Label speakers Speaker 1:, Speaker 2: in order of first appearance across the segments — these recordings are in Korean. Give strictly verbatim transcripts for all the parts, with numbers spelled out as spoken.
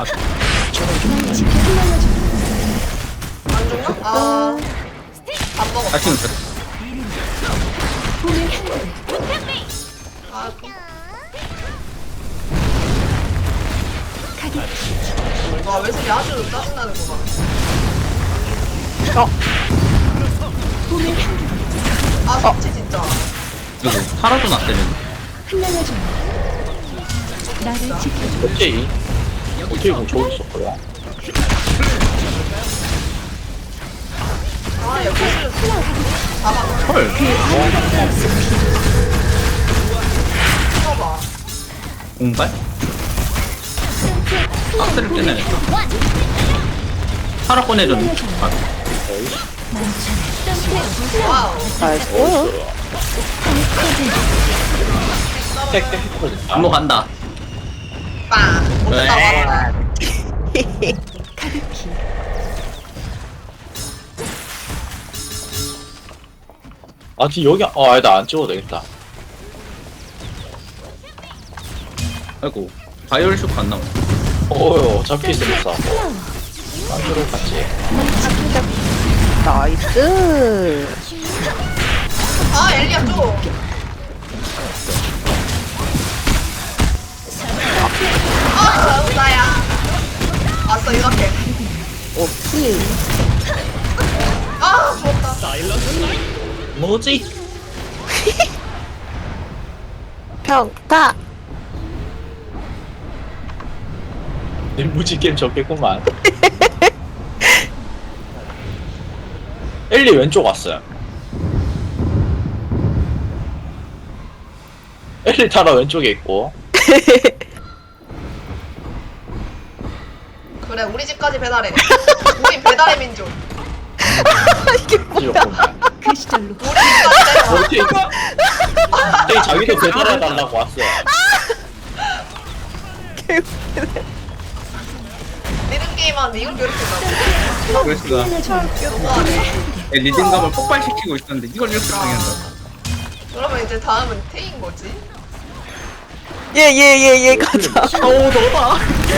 Speaker 1: 날 지켜 흩날려줘.
Speaker 2: 안 죽나? 아. 밥 먹었다.
Speaker 3: 다시는
Speaker 1: 봄의 향기를
Speaker 2: 아,
Speaker 1: 가득히
Speaker 2: 와, 왜 이렇게 아주 짜증나는구만.
Speaker 1: 봄의 향기를
Speaker 2: 아, 진짜 진짜.
Speaker 3: 이거 하나도 낫대는.
Speaker 1: 흩날려줘. 나를 지켜줘.
Speaker 4: 어째 어째 공 저기 있었고요.
Speaker 2: 아, 옆에서 잡아.
Speaker 3: 헐.
Speaker 2: 쳐봐.
Speaker 3: 공발? 박스를 꺼내냈다. 하나 꺼내줬네. 아,
Speaker 2: 와우.
Speaker 5: 나이스.
Speaker 4: 땡땡 터진다.
Speaker 3: 안무 간다.
Speaker 2: 빵. 못했다
Speaker 3: 왜?
Speaker 2: 말아라.
Speaker 1: 가득히
Speaker 4: 아 지금 여기 아 아니다 안 찍어도 되겠다.
Speaker 3: 아이고. 바이올 쇼크 안 나와.
Speaker 4: 어여 잡기 있으면서
Speaker 1: 플라워
Speaker 4: 딴으로 같이.
Speaker 5: 나이스.
Speaker 2: 아, 엘리야 좀. 아, 잘못다야. 왔어, 이렇게.
Speaker 5: 오케이.
Speaker 2: 아, 죽었다.
Speaker 3: 뭐지?
Speaker 5: 평타.
Speaker 4: 내 무지 게임 적겠구만. 엘리 왼쪽 왔어요. 엘리 타라 왼쪽에 있고.
Speaker 2: 그래, 우리 집까지 배달해. 우리 배달의 민족.
Speaker 4: 찍었구만.
Speaker 1: 그 시절로
Speaker 2: 우리 집까지
Speaker 4: 어떻게 이거? 갑자기 자기도 배달해달라고 왔어.
Speaker 2: 리듬 게임 하는데 이걸 괴롭힌다고.
Speaker 3: 그랬어.
Speaker 1: 흩날려줘.
Speaker 3: 리듬감을 폭발시키고 있었는데 이걸 이렇게 당한다.
Speaker 2: 그러면 이제 다음은 테인 거지?
Speaker 5: 예예예예 가자. 어우 너다.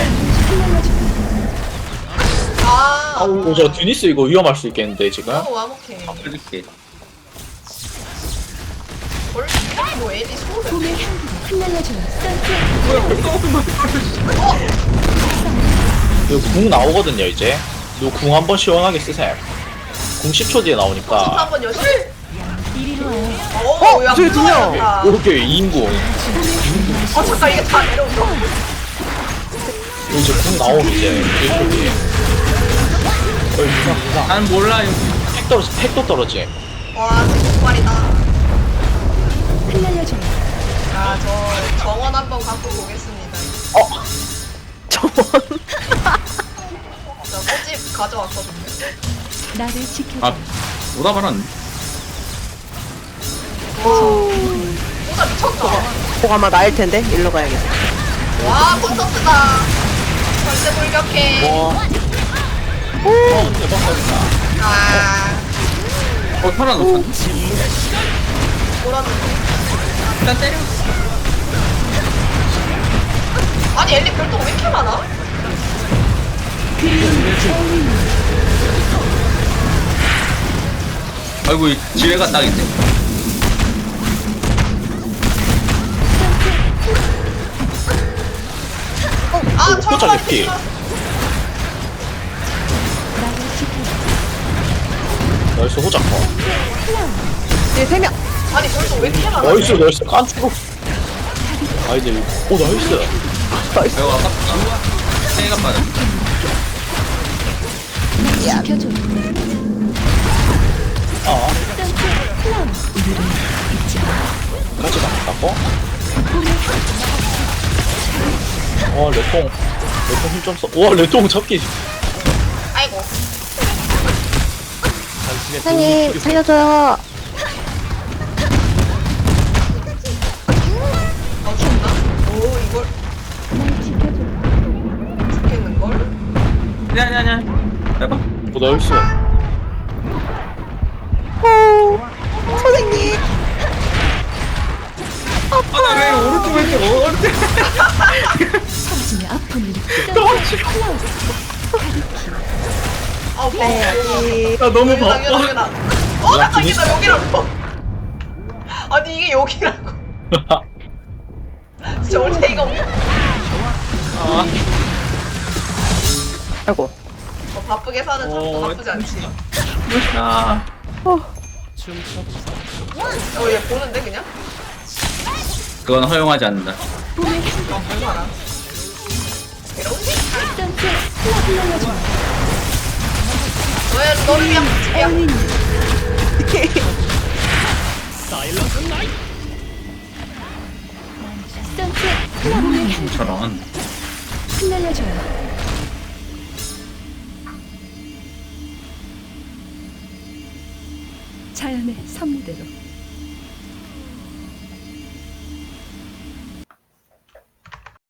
Speaker 2: 아,
Speaker 4: 아우 어, 저 드니스 이거 위험할 수 있겠는데 지금.
Speaker 2: 너무 와목해.
Speaker 3: 해줄게.
Speaker 2: 뭘? 뭐 엘리 소를.
Speaker 1: 봄의 향기를 흩날려줘.
Speaker 4: 이거 궁 나오거든요 이제. 이거 궁 한번 시원하게 쓰세요. 궁 십 초 뒤에 나오니까.
Speaker 2: 한번 여시.
Speaker 1: 이리로 와요.
Speaker 2: 어, 야,
Speaker 5: 저기 두 명.
Speaker 2: 무서워야겠다.
Speaker 4: 이렇게 이 인궁.
Speaker 2: 어, 잠깐 이게 다 내려온다.
Speaker 4: 이거 이제 궁 나오면 이제 일 초 뒤에. 어이 무상 무상.
Speaker 3: 난 몰라요.
Speaker 4: 팩 떨어지 팩도 떨어지.
Speaker 2: 와, 정말이다.
Speaker 1: 흩날려줘.
Speaker 2: 아, 저 정원 한번 갖고 보겠습니다.
Speaker 4: 어.
Speaker 5: 저번.
Speaker 2: 저 꽃집 가져왔거든요.
Speaker 1: 나를 지켜줘.
Speaker 3: 아, 오다 말았네.
Speaker 2: 진짜 미쳤다.
Speaker 5: 꼭 아마 나일 텐데 일로 가야겠다.
Speaker 2: 와, 콘서트다. 절대 돌격해.
Speaker 4: 와. 어 대박 사진다.
Speaker 2: 아,
Speaker 3: 어, 살아났어.
Speaker 2: 뭐라는데?
Speaker 3: 일단 때려.
Speaker 2: 아니, 엘리 별똥 왜 이렇게 많아?
Speaker 3: 아이고, 이 지뢰가 딱 있네.
Speaker 2: 아,
Speaker 4: 어,
Speaker 2: 철거
Speaker 4: 호자 lep기.
Speaker 1: 나를 지켜줘.
Speaker 4: 나이스 호자커.
Speaker 5: 얘세 명.
Speaker 2: 아니, 별똥 왜 이렇게 많아?
Speaker 4: 나이스 나이스 깐추고. 아 이제 오 나이스.
Speaker 3: 아이고, 아깝다. 해가 빠져.
Speaker 1: 지켜줘.
Speaker 4: 아
Speaker 1: 플라워.
Speaker 4: 같이 나갔다고? 와 레통 레통 힘좀 써. 와 레통 잡기.
Speaker 2: 아이고.
Speaker 5: 사장님 살려줘요.
Speaker 2: 어, 죽나? 오, 이걸
Speaker 1: 날 지켜줘.
Speaker 2: 죽겠는걸?
Speaker 3: 아니, 아니, 아니. 해봐.
Speaker 4: 오 나이스.
Speaker 5: 오, 선생님.
Speaker 3: 아, 나 왜 오른쪽 왜 이렇게 오른쪽.
Speaker 1: 사라지며 아픈 일이
Speaker 2: 아우 바빠.
Speaker 3: 나 너무
Speaker 2: 여기다,
Speaker 3: 바빠.
Speaker 2: 여기다. 어 잠깐 이게 나 여기라고. 아니 이게 여기라고. 진짜 어이가 없네.
Speaker 5: 아이고.
Speaker 2: 어, 바쁘게 사는 참도
Speaker 3: 어,
Speaker 2: 나쁘지 않지.
Speaker 3: 아,
Speaker 2: 어얘 보는데 그냥?
Speaker 3: 그건 허용하지 않는다.
Speaker 2: 어 얼마나? 이러지?
Speaker 1: 선셋 클럽 흘러줘.
Speaker 2: 너의 너를 위한 복지야.
Speaker 1: 선셋 클럽의 향
Speaker 3: 저런.
Speaker 1: 흩날려줘요. 자연의 섭리대로